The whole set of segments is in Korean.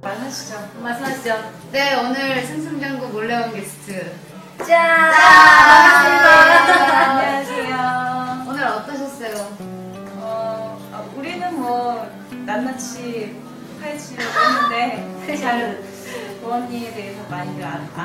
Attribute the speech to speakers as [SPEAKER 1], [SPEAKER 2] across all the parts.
[SPEAKER 1] 말하시죠.
[SPEAKER 2] 말씀하시죠.
[SPEAKER 3] 네, 오늘 승승장구 몰래 온 게스트.
[SPEAKER 2] 짠!
[SPEAKER 1] 반갑습니다. 안녕하세요.
[SPEAKER 3] 오늘 어떠셨어요?
[SPEAKER 1] 우리는 뭐 낱낱이 파헤치려고 했는데 잘 보원님에 대해서 많이들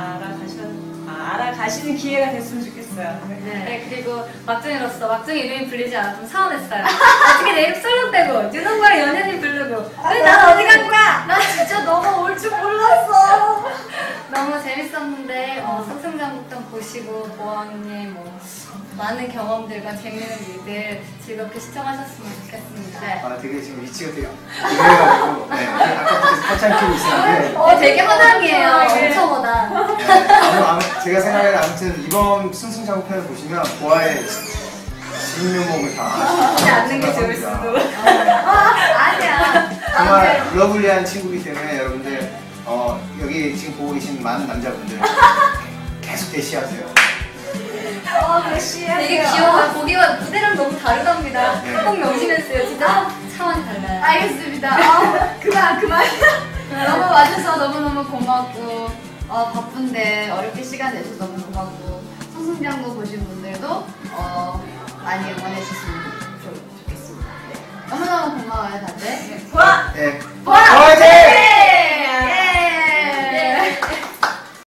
[SPEAKER 1] 알아가시는 기회가 됐으면 좋겠어요.
[SPEAKER 2] 네, 그리고 막둥이로서 막둥이 이름이 불리지 않았으면 서운했어요. 어떻게 내 이름 썰렁대고 유동과 연예인 부르고 왜 난 어디 간 거야? 나 진짜 너가 올 줄 몰랐어. 너무 재밌었는데 승승장구편 보시고 보원님 많은 경험들과 재밌는 일들 즐겁게 시청하셨으면 좋겠습니다.
[SPEAKER 3] 네.
[SPEAKER 4] 되게 지금 위치가 되게 이래가지고 아까부터 허창 키고 있었는데
[SPEAKER 2] 되게 허당이에요. 엄청 허당.
[SPEAKER 4] 제가 생각에는 아무튼 이번 승승장구편을 보시면 보아의 진면목을 다
[SPEAKER 1] 하지 않는 게 좋을 수도.
[SPEAKER 2] 아니야.
[SPEAKER 4] 정말 러블리한 친구이기 때문에 여러분들 여기 지금 보고 계신 많은 남자분들 계속 대시하세요.
[SPEAKER 2] 되게 귀여워요. 보기와 무대랑 너무 다르답니다.
[SPEAKER 4] 네.
[SPEAKER 2] 꼭 명심했어요. 진짜 차원이 달라요.
[SPEAKER 3] 알겠습니다. 그만. 너무 와줘서 너무너무 고맙고, 바쁜데 어렵게 시간 내줘서 너무 고맙고, 승승장구 보신 분들도 많이 응원해주시면 좋겠습니다. 네. 너무너무 고마워요, 다들.
[SPEAKER 1] 보아!
[SPEAKER 4] 네.
[SPEAKER 3] 보아!
[SPEAKER 4] 화이팅!